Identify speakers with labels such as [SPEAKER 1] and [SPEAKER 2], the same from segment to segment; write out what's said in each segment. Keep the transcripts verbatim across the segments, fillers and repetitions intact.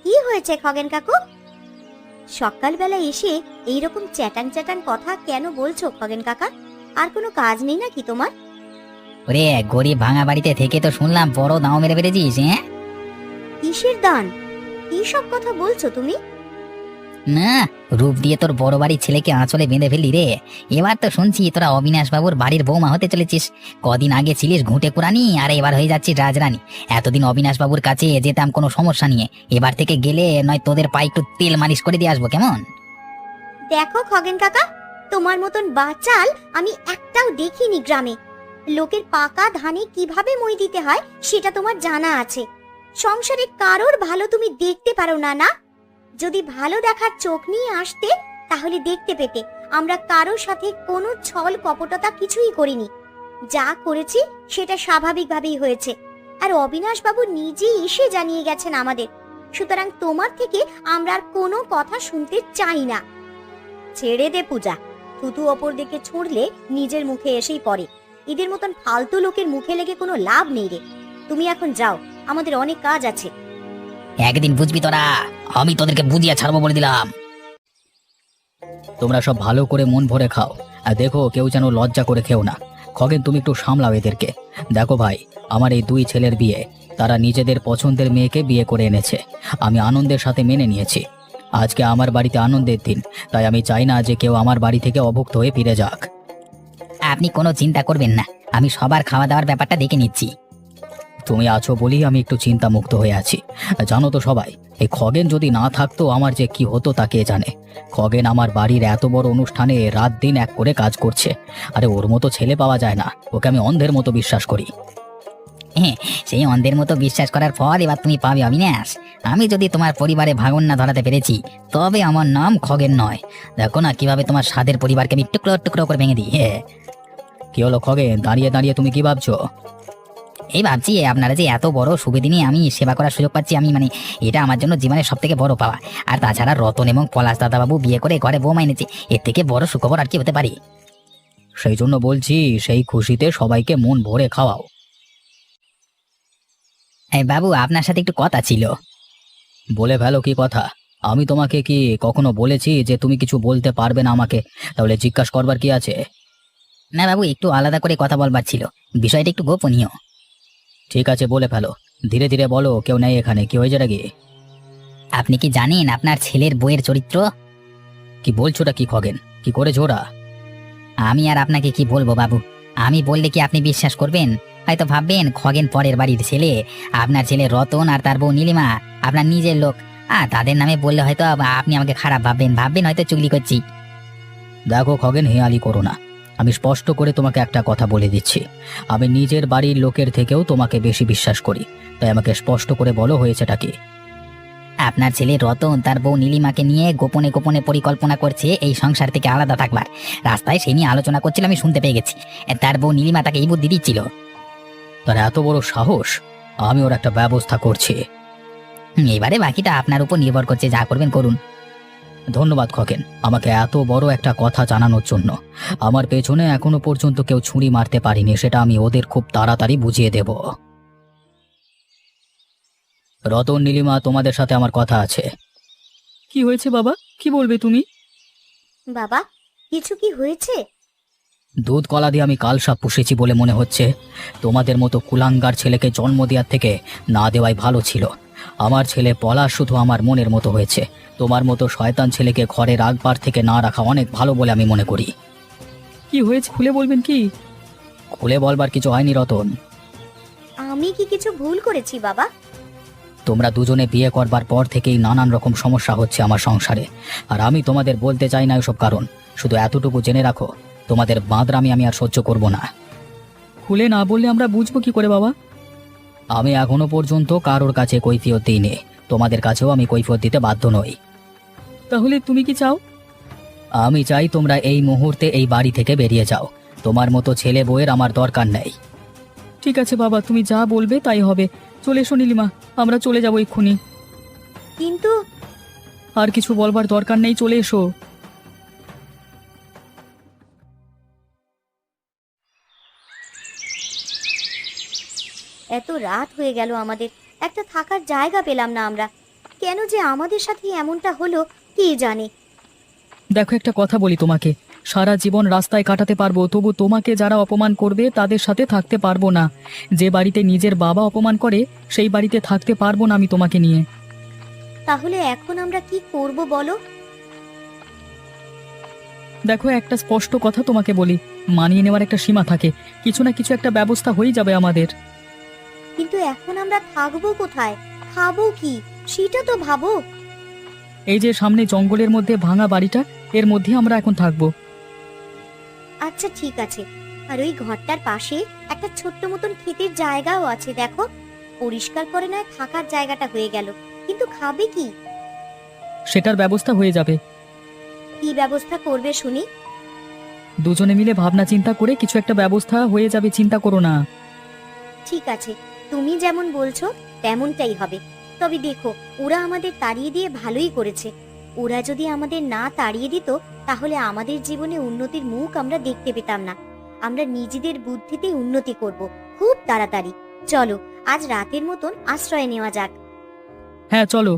[SPEAKER 1] কি হয়েছে খগেন কাকু? সকালবেলা এসে এইরকম চ্যাটাং চ্যাটাং কথা কেন বলছো খগেন কাকা? আর কোনো কাজ নেই নাকি তোমার?
[SPEAKER 2] ওরে গরিব ভাঙা বাড়িতে থেকে তো শুনলাম বড় দাও মেরে বেড়েছিস। হ্যাঁ,
[SPEAKER 1] কিসের দান? কি সব কথা বলছো তুমি?
[SPEAKER 2] না, রূপ দিয়ে তোর বড় বাড়ির ছেলেকে আঁচলে বেঁধে ফেললি রে। এবার তো শুনছি তোরা অবিনাশ বাবুর বাড়ির বৌমা হতে চলেছিস। কদিন আগে ছিলিস ঘুঁটে কুরানি, আর এবার হয়ে যাচ্ছিস রাজরানী। এতদিন অবিনাশ বাবুর কাছে যেতাম কোনো সমস্যা নিয়ে, এবার থেকে গেলে নয় তোদের পায়ে একটু তেল মালিশ করে দিয়ে আসবো, কেমন?
[SPEAKER 1] দেখো খগেন কাকা, তোমার মতন বাচাল আমি একটাও দেখিনি গ্রামে। লোকের পাকা ধানে কিভাবে মই দিতে হয় সেটা তোমার জানা আছে। সংসারে কারোর ভালো তুমি দেখতে পারো না না? যদি ভালো দেখার চোখ নিয়ে আসতে তাহলে দেখতে পেতে আমরা কারোর সাথে কোনো ছল কপটতা কিছুই করিনি। যা করেছি সেটা স্বাভাবিকভাবেই হয়েছে, আর অবিনাশ বাবু নিজেই এসে জানিয়ে গেছেন আমাদের। সুতরাং তোমার থেকে আমরা আর কোনো কথা শুনতে চাই না। ছেড়ে দে পূজা, থুতু অপর দিকে ছুঁড়লে নিজের মুখে এসেই পড়ে। এদের মতন ফালতু লোকের মুখে লেগে কোনো লাভ নেই রে। তুমি এখন যাও, আমাদের অনেক কাজ আছে।
[SPEAKER 2] একদিন বুঝবি তোরা, আমি তোদেরকে বুঝিয়ে ছাড়বো বলে দিলাম।
[SPEAKER 3] তোমরা সব ভালো করে মন ভরে খাও, আর দেখো কেউ যেন লজ্জা করে খেও না। খগেন, তুমি একটু সামলাও এদেরকে। দেখো ভাই, আমার এই দুই ছেলের বিয়ে, তারা নিজেদের পছন্দের মেয়েকে বিয়ে করে এনেছে। আমি আনন্দের সাথে মেনে নিয়েছি। আজকে আমার বাড়িতে আনন্দের দিন, তাই আমি চাই না যে কেউ আমার বাড়ি থেকে অভুক্ত হয়ে ফিরে যাক।
[SPEAKER 2] আপনি কোনো চিন্তা করবেন না, আমি সবার খাওয়া দাওয়ার ব্যাপারটা দেখে নিচ্ছি।
[SPEAKER 3] তুমি আছো বলেই আমি একটু চিন্তা মুক্ত হয়ে আছি। জানো তো সবাই, এই খগেন যদি না থাকতো আমার যে কি হতো তা কে জানে। খগেন আমার বাড়ির এত বড় অনুষ্ঠানে রাত দিন এক করে কাজ করছে। আরে ওর মতো ছেলে পাওয়া যায় না, ওকে আমি অন্ধের মতো বিশ্বাস করি।
[SPEAKER 2] হ্যাঁ, সেই অন্ধের মতো বিশ্বাস করার ফল এবার তুমি পাবে অবিনাশ। আমি যদি তোমার পরিবারে ভাঙন না ধরাতে পেরেছি, তবে আমার নাম খগেন নয়। দেখো না কিভাবে তোমার স্বাদের পরিবারকে আমি টুকরো টুকরো করে ভেঙে দিই। হ্যাঁ,
[SPEAKER 3] কি হলো খগেন, দাঁড়িয়ে দাঁড়িয়ে তুমি কি ভাবছো?
[SPEAKER 2] এই ভাবছি আপনারা যে এত বড় সুবিদিনে আমি সেবা করার সুযোগ পাচ্ছি, আমি মানে এটা আমার জন্য জীবনের সব থেকে বড় পাওয়া। আর তাছাড়া রতন এবং পলাশ দাদাবাবু বিয়ে করে ঘরে বৌমা এনেছে, এর থেকে বড় সুখবর আর কি হতে পারে?
[SPEAKER 3] সেই জন্য বলছি, সেই খুশিতে সবাইকে মন ভরে খাওয়াও।
[SPEAKER 2] এই বাবু, আপনার সাথে একটু কথা ছিল।
[SPEAKER 3] বলে ফেলো, কি কথা? আমি তোমাকে কি কখনো বলেছি যে তুমি কিছু বলতে পারবে না আমাকে? তাহলে জিজ্ঞাসা করবার কি আছে?
[SPEAKER 2] না বাবু, একটু আলাদা করে কথা বলবার ছিল, বিষয়টা একটু গোপনীয়।
[SPEAKER 3] ঠিক আছে, বলে ফেলো, ধীরে ধীরে বলো। কেউ নেই এখানে, কি হয়েছে নাকি?
[SPEAKER 2] আপনি কি জানেন আপনার ছেলের বইয়ের চরিত্র?
[SPEAKER 3] কি বলছোটা কি খগেন, কি করেছো ওরা?
[SPEAKER 2] আমি আর আপনাকে কি বলবো বাবু, আমি বললে কি আপনি বিশ্বাস করবেন? হয়তো ভাববেন খগেন পরের বাড়ির ছেলে, আপনার ছেলে রতন আর তার বউ নীলিমা আপনার নিজের লোক। আ তাদের নামে বললে হয়তো আপনি আমাকে খারাপ ভাববেন, ভাববেন হয়তো চুগলি করছি।
[SPEAKER 3] দেখো খগেন, হেয়ালি করো না। আমি স্পষ্ট করে তোমাকে একটা কথা বলে দিচ্ছি, আমি নিজের বাড়ির লোকের থেকেও তোমাকে বেশি বিশ্বাস করি। তাই আমাকে স্পষ্ট করে বলো, হয়েছেটা কি?
[SPEAKER 2] আপনার ছেলে রতন তার বউ নীলিমাকে নিয়ে গোপনে গোপনে পরিকল্পনা করছে এই সংসার থেকে আলাদা থাকবার। রাস্তায় সে নিয়ে আলোচনা করছিল, আমি শুনতে পেয়ে গেছি। তার বউ নীলিমা তাকে এই বুদ্ধি দিচ্ছিল।
[SPEAKER 3] তার এত বড় সাহস! আমি ওর একটা ব্যবস্থা করছি।
[SPEAKER 2] হুম, এবারে বাকিটা আপনার উপর নির্ভর করছে, যা করবেন করুন।
[SPEAKER 3] ধন্যবাদ খগেন, আমাকে এত বড় একটা কথা জানানোর জন্য। আমার পেছনে এখনো পর্যন্ত কেউ ছুরি মারতে পারিনি, সেটা আমি ওদের খুব তাড়াতাড়ি বুঝিয়ে দেব। রতন, নীলিমা, তোমাদের সাথে আমার কথা আছে।
[SPEAKER 4] কি হয়েছে বাবা, কি বলবে তুমি?
[SPEAKER 1] বাবা, কিছু কি হয়েছে?
[SPEAKER 3] দুধ কলা দিয়ে আমি কালসাপ পুষেছি বলে মনে হচ্ছে। তোমাদের মতো কুলাঙ্গার ছেলেকে জন্ম দেওয়ার থেকে না দেওয়াই ভালো ছিল। আমার ছেলে পলাশ শুধু আমার মনের মতো হয়েছে। তোমার মতো শয়তান ছেলেকে ঘরে রাখবার থেকে না রাখা অনেক ভালো বলে আমি মনে করি।
[SPEAKER 4] কি হয়েছে খুলে বলবেন কি?
[SPEAKER 3] খুলে বলবার কিছু হয়নি রতন।
[SPEAKER 1] আমি কি কিছু ভুল করেছি বাবা?
[SPEAKER 3] তোমরা দুজনে বিয়ে করবার পর থেকেই নানান রকম সমস্যা হচ্ছে আমার সংসারে, আর আমি তোমাদের বলতে চাই না এসব কারণ। শুধু এতটুকু জেনে রাখো, তোমাদের বাঁদরামি আমি আর সহ্য করব না।
[SPEAKER 4] খুলে না বললে আমরা বুঝবো কি করে বাবা?
[SPEAKER 3] আমি এখনো পর্যন্ত কারোর কাছে কৈফিয়ত দিইনি, তোমাদের কাছেও আমি কৈফিয়ত দিতে বাধ্য নই।
[SPEAKER 4] তাহলে তুমি কি চাও?
[SPEAKER 3] আমি চাই তোমরা এই মুহূর্তে এই বাড়ি থেকে বেরিয়ে যাও। তোমার মতো ছেলে বউয়ের আমার দরকার নেই।
[SPEAKER 4] ঠিক আছে বাবা, তুমি যা বলবে তাই হবে। চলে এসো নীলিমা, আমরা চলে যাবো এক্ষুনি।
[SPEAKER 1] কিন্তু
[SPEAKER 4] আর কিছু বলবার দরকার নেই, চলে এসো।
[SPEAKER 1] এত রাত হয়ে গেল, আমাদের একটা থাকার জায়গা পেলাম না আমরা। কেন যে আমাদের সাথে এমনটা হলো কে জানে।
[SPEAKER 4] দেখো একটা কথা বলি তোমাকে, সারা জীবন রাস্তায় কাটাতে পারবো, তবু তোমাকে যারা অপমান করবে তাদের সাথে থাকতে পারবো না। যে বাড়িতে নিজের বাবা অপমান করে সেই বাড়িতে থাকতে পারবো না আমি তোমাকে নিয়ে।
[SPEAKER 1] তাহলে এখন আমরা কি করব বলো?
[SPEAKER 4] দেখো একটা স্পষ্ট কথা তোমাকে বলি, মানিয়ে নেওয়ার একটা সীমা থাকে, কিছু না কিছু একটা ব্যবস্থা হয়ে যাবে আমাদের।
[SPEAKER 1] কিন্তু এখন আমরা থাকবো কোথায়, খাবো কি, সেটা তো ভাবো।
[SPEAKER 4] এই যে সামনে জঙ্গলের মধ্যে ভাঙা বাড়িটা, এর মধ্যে আমরা এখন থাকবো।
[SPEAKER 1] আচ্ছা ঠিক আছে, আর ওই ঘরটার পাশে একটা ছোট্ট মতন ক্ষেতের জায়গাও আছে, দেখো পরিষ্কার করে নয় থাকার জায়গাটা হয়ে গেল, কিন্তু খাবে কি?
[SPEAKER 4] সেটার ব্যবস্থা হয়ে যাবে।
[SPEAKER 1] কি ব্যবস্থা করবে শুনি?
[SPEAKER 4] দুজনে মিলে ভাবনা চিন্তা করে কিছু একটা ব্যবস্থা হয়ে যাবে, চিন্তা করো না।
[SPEAKER 1] ঠিক আছে, তুমি যেমন বলছো তেমনটাই হবে। তবে দেখো, ওরা আমাদের তাড়িয়ে দিয়ে ভালোই করেছে। ওরা যদি আমাদের না তাড়িয়ে দিত তাহলে আমাদের জীবনে উন্নতির মুখ আমরা দেখতে পেতাম না। আমরা নিজেদের বুদ্ধিতে উন্নতি করব খুব তাড়াতাড়ি। চলো আজ রাতের মতন আশ্রয় নেওয়া যাক।
[SPEAKER 4] হ্যাঁ চলো।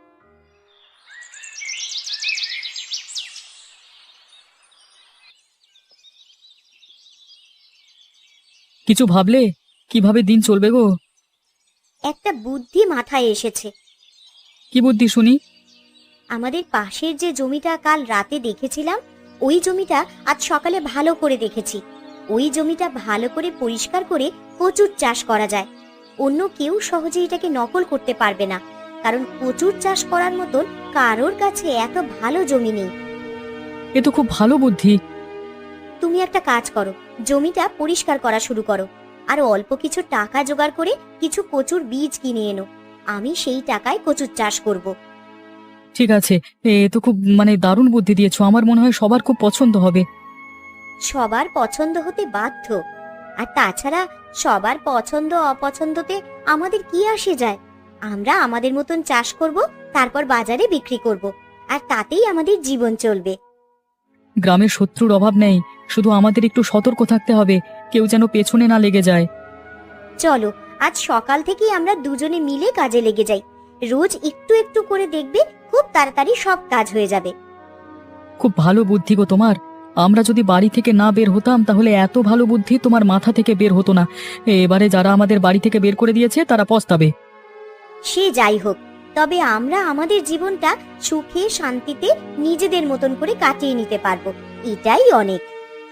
[SPEAKER 4] কিছু ভাবলে কিভাবে দিন চলবে গো?
[SPEAKER 1] একটা বুদ্ধি মাথায় এসেছে।
[SPEAKER 4] কি বুদ্ধি শুনি?
[SPEAKER 1] আমাদের পাশের যে জমিটা কাল রাতে দেখেছিলাম, ওই জমিটা আজ সকালে ভালো করে দেখেছি। ওই জমিটা ভালো করে পরিষ্কার করে কচুর চাষ করা যায়। অন্য কেউ সহজে এটাকে নকল করতে পারবে না, কারণ কচুর চাষ করার মতন কারোর কাছে এত ভালো জমি নেই।
[SPEAKER 4] এ তো খুব ভালো বুদ্ধি।
[SPEAKER 1] তুমি একটা কাজ করো, জমিটা পরিষ্কার করা শুরু করো, আর অল্প কিছু টাকা জোগাড় করে কিছু কচুর বীজ কিনে এনো। আমি সেই টাকায় কচুর চাষ করব।
[SPEAKER 4] ঠিক আছে, এ তো খুব মানে দারুণ বুদ্ধি দিয়েছো, আমার মনে হয় সবার খুব পছন্দ হবে।
[SPEAKER 1] সবার পছন্দ হতে বাধ্য, আর তাছাড়া সবার পছন্দ অপছন্দতে আমাদের কি আসে যায়? আমরা আমাদের মতন চাষ করব, তারপর বাজারে বিক্রি করব, আর তাতেই আমাদের জীবন চলবে।
[SPEAKER 4] গ্রামের শত্রুর অভাব নেই, শুধু আমাদের একটু সতর্ক থাকতে হবে, কেউ যেন পেছনে না লেগে যায়।
[SPEAKER 1] চলো আজ সকাল থেকেই আমরা দুজনে মিলে কাজে লেগে যাই। রোজ একটু একটু করে দেখবে খুব তাড়াতাড়ি সব কাজ হয়ে যাবে।
[SPEAKER 4] খুব ভালো বুদ্ধি গো তোমার। আমরা যদি বাড়ি থেকে না বের হতাম তাহলে এত ভালো বুদ্ধি তোমার মাথা থেকে বের হতো না। এবারে যারা আমাদের বাড়ি থেকে বের করে দিয়েছে তারা পস্তাবে।
[SPEAKER 1] সে যাই হোক, তবে আমরা আমাদের জীবনটা সুখে শান্তিতে নিজেদের মতন করে কাটিয়ে নিতে পারবো, এটাই অনেক।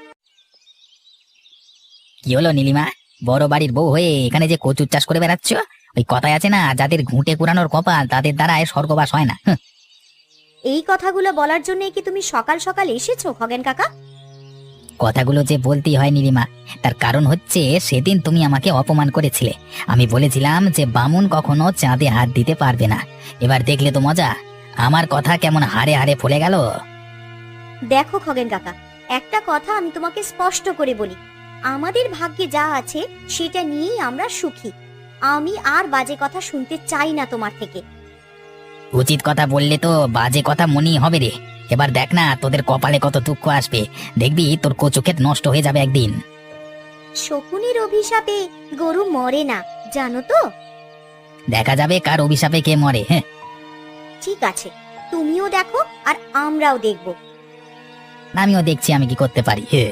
[SPEAKER 2] কি হলো নীলিমা, বড় বাড়ির বউ হয়ে এখানে যে কচুর চাষ করে বেড়াচ্ছ? ওই কথায় আছে না, যাদের ঘুঁটে কুড়ানোর কপাল তাদের দ্বারায় স্বর্গবাস হয় না। হুঁ।
[SPEAKER 1] এই কথাগুলো বলার জন্য কি তুমি সকাল সকাল এসেছো খগেন কাকা?
[SPEAKER 2] কথাগুলো যে বলতেই হয় নীলিমা, তার কারণ হচ্ছে সেদিন তুমি আমাকে অপমান করেছিলে। আমি বলেছিলাম যে বামুন কখনো চাঁদে হাত দিতে পারবে না। এবার দেখলে তো মজা, আমার কথা কেমন হাড়ে হাড়ে ফলে গেল।
[SPEAKER 1] দেখো খগেন কাকা, একটা কথা আমি তোমাকে স্পষ্ট করে বলি, আমাদের ভাগ্যে যা আছে সেটা নিয়েই আমরা সুখী। আমি আর বাজে কথা শুনতে চাই না তোমার থেকে।
[SPEAKER 2] উচিত কথা বললে তো বাজে কথা মনেই হবে রে। এবার দেখ না তোদের কপালে কত দুঃখ আসবে, দেখবি তোর কচু ক্ষেত নষ্ট হয়ে যাবে একদিন।
[SPEAKER 1] শকুনের অভিশাপে গরু মরে না, জানো তো?
[SPEAKER 2] দেখা যাবে কার অভিশাপে কে মরে। হ্যাঁ
[SPEAKER 1] ঠিক আছে, তুমিও দেখো আর আমরাও দেখব।
[SPEAKER 2] আমিও দেখছি আমি কি করতে পারি। হ্যাঁ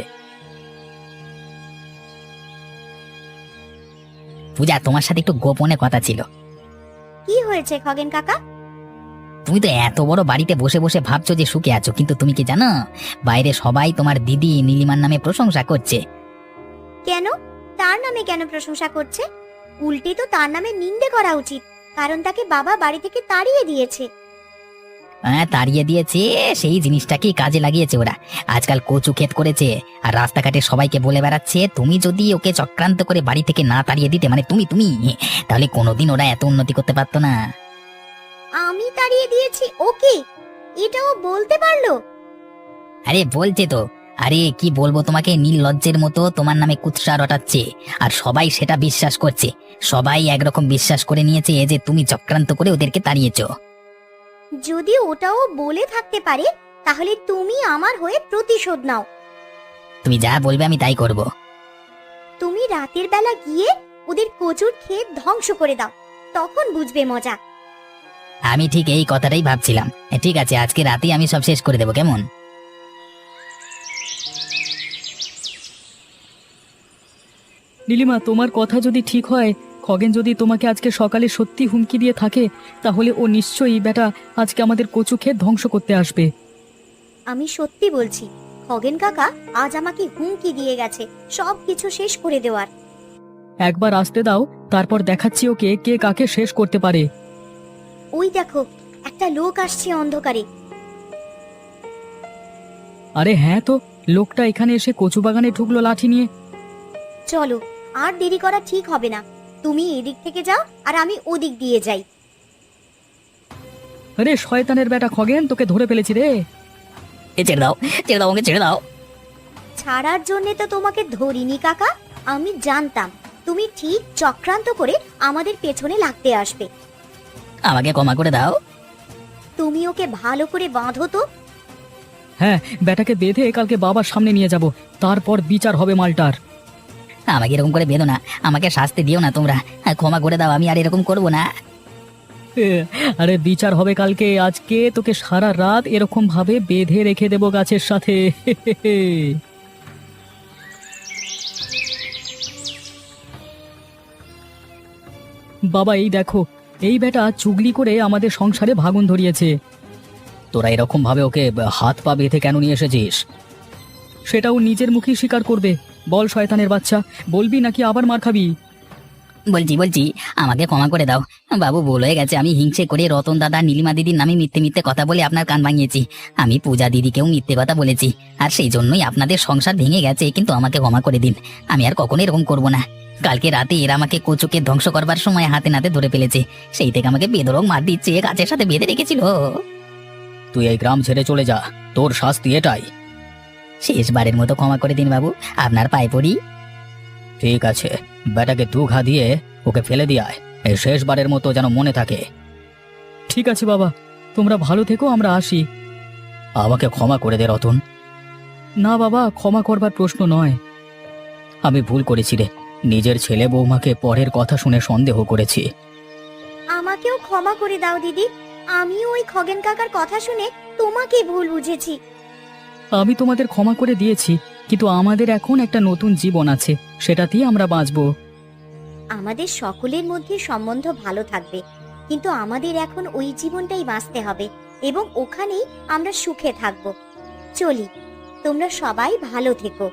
[SPEAKER 2] পূজা, তোমার সাথে একটু গোপনে কথা ছিল।
[SPEAKER 1] কি হয়েছে খগেন কাকা?
[SPEAKER 2] তুমি তো এত বড় বাড়িতে বসে বসে ভাবছো যে সুখে আছো, কিন্তু তুমি কি জানো বাইরে সবাই তোমার দিদি নীলিমার নামে প্রশংসা করছে।
[SPEAKER 1] কেন? তার নামে কেন প্রশংসা করছে? উল্টে তো তার নামে নিন্দে করা উচিত, কারণ তাকে বাবা বাড়ি থেকে তাড়িয়ে দিয়েছে।
[SPEAKER 2] হ্যাঁ তাড়িয়ে দিয়েছে, সেই জিনিসটাকেই কাজে লাগিয়েছে ওরা। আজকাল কচু ক্ষেত করেছে আর রাস্তাঘাটে সবাইকে বলে বেড়াচ্ছে তুমি যদি ওকে চক্রান্ত করে বাড়ি থেকে না তাড়িয়ে দিতে, মানে তুমি তুমি তাহলে কোনোদিন ওরা এত উন্নতি করতে পারতো না।
[SPEAKER 1] আমি তাড়িয়ে দিয়েছি ওকে? এটাও বলতে পারলো?
[SPEAKER 2] আরে বলছে তো। আরে কি বলবো তোমাকে, নির্লজ্জের মতো তোমার নামে কুৎসা রটাচ্ছে আর সবাই সেটা বিশ্বাস করছে। সবাই একরকম বিশ্বাস করে নিয়েছে যে তুমি চক্রান্ত করে ওদেরকে তাড়িয়েছো।
[SPEAKER 1] যদি ওটাও বলে থাকতে পারে তাহলে তুমি আমার হয়ে প্রতিশোধ নাও।
[SPEAKER 2] তুমি যা বলবে আমি তাই করব।
[SPEAKER 1] তুমি রাতের বেলা গিয়ে ওদের কচুর ক্ষেত ধ্বংস করে দাও, তখন বুঝবে মজা।
[SPEAKER 2] আমি ঠিক এই কথাটাই ভাবছিলাম। ঠিক আছে, আজকে রাতেই আমি সব শেষ করে দেবো, কেমন?
[SPEAKER 4] নীলিমা, তোমার কথা যদি ঠিক হয়, খগেন যদি তোমাকে আজকে সকালে সত্যি হুমকি দিয়ে থাকে, তাহলে ও নিশ্চয়ই বেটা আজকে আমাদের কচু ক্ষেত ধ্বংস করতে আসবে।
[SPEAKER 1] আমি সত্যি বলছি, খগেন কাকা আজ আমাকে হুমকি দিয়ে গেছে সব কিছু শেষ করে দেওয়ার।
[SPEAKER 4] একবার আসতে দাও, তারপর দেখাচ্ছি ওকে কে কাকে শেষ করতে পারে।
[SPEAKER 1] ওই দেখো, একটা লোক আসছে অন্ধকারে।
[SPEAKER 4] আরে হ্যাঁ তো, লোকটা এখানে এসে কচু বাগানে ঢুকলো লাঠি নিয়ে।
[SPEAKER 1] চলো, আর দেরি করা ঠিক হবে না। তুমি এদিক থেকে যাও আর আমি ওদিক দিয়ে যাই।
[SPEAKER 4] আরে শয়তানের বেটা খগেন, তোকে ধরে ফেলেছি রে।
[SPEAKER 2] এ ছেড়ে দাও, ছেড়ে দাও, আমাকে ছেড়ে দাও।
[SPEAKER 1] ছাড়ার জন্য তো তোমাকে ধরিনি কাকা। আমি জানতাম তুমি ঠিক চক্রান্ত করে আমাদের পেছনে লাগতে আসবে।
[SPEAKER 2] আমাকে ক্ষমা করে দাও।
[SPEAKER 1] তুমি ওকে ভালো করে বাঁধো তো।
[SPEAKER 4] হ্যাঁ, বেটাকে বেঁধে কালকে বাবার সামনে নিয়ে যাব, তারপর বিচার হবে মালটার।
[SPEAKER 2] আমাকে এরকম করে বেঁধো না, আমাকে শাস্তি দিও না তোমরা। ক্ষমা করে দাও, আমি আর এরকম করবো না।
[SPEAKER 4] এ, আরে বিচার হবে কালকে, আজকে তোকে সারা রাত এরকম ভাবে বেঁধে রেখে দেব গাছের সাথে। বাবা এই দেখো, এই বেটা চুগলি করে আমাদের সংসারে ভাগুন ধরিয়েছে।
[SPEAKER 3] তোরা এরকম ভাবে ওকে হাত পা বেঁধে কেন নিয়ে এসেছিস?
[SPEAKER 4] সেটাও নিজের মুখেই স্বীকার করবে। বল শয়তানের বাচ্চা, বলবি নাকি আবার মার খাবি?
[SPEAKER 2] বলছি বলছি আমাকে ক্ষমা করে দাও বাবু, ভুল হয়ে গেছে। আমি হিংসে করে রতন দাদা, নীলিমা দিদির নামে মিথ্যে মিথ্যে কথা বলে আপনার কান ভাঙিয়েছি। আমি পূজা দিদিকেও মিথ্যে কথা বলেছি, আর সেই জন্যই আপনাদের সংসার ভেঙে গেছে। কিন্তু আমাকে ক্ষমা করে দিন, আমি আর কখনো এরকম করবো না। কালকে রাতে এরা আমাকে কচুকে ধ্বংস করবার সময় হাতে নাতে ধরে ফেলেছে, সেই থেকে আমাকে বেধড়ক মার দিচ্ছে, গাছের সাথে বেঁধে রেখেছিল।
[SPEAKER 3] তুই এই গ্রাম ছেড়ে চলে যা, তোর শাস্তি এটাই।
[SPEAKER 2] শেষবারের মতো ক্ষমা করে দিন বাবু, আপনার পায়ে পড়ি।
[SPEAKER 3] ঠিক আছে, বেটাকে দু ঘা দিয়ে ওকে ফেলে দিয়ে আয়, এই শেষবারের মতো যেন মনে থাকে।
[SPEAKER 4] ঠিক আছে বাবা, তোমরা ভালো থেকো, আমরা আসি।
[SPEAKER 3] আমাকে ক্ষমা করে দে রতন।
[SPEAKER 4] না বাবা, ক্ষমা করবার প্রশ্ন নয়।
[SPEAKER 3] আমি ভুল করেছি রে, নিজের ছেলে বৌমাকে পরের কথা শুনে সন্দেহ করেছি।
[SPEAKER 1] আমাকেও ক্ষমা করে দাও দিদি। আমিও ওই খগেন কাকার কথা শুনে তোমাকে ভুল বুঝেছি।
[SPEAKER 4] আমি তোমাদের ক্ষমা করে দিয়েছি, কিন্তু আমাদের এখন একটা নতুন জীবন আছে, সেটাতেই আমরা বাঁচবো।
[SPEAKER 1] আমাদের সকলের মধ্যে সম্বন্ধ ভালো থাকবে, কিন্তু আমাদের এখন ওই জীবনটাই বাঁচতে হবে এবং ওখানেই আমরা সুখে থাকবো। চলি, তোমরা সবাই ভালো থেকো।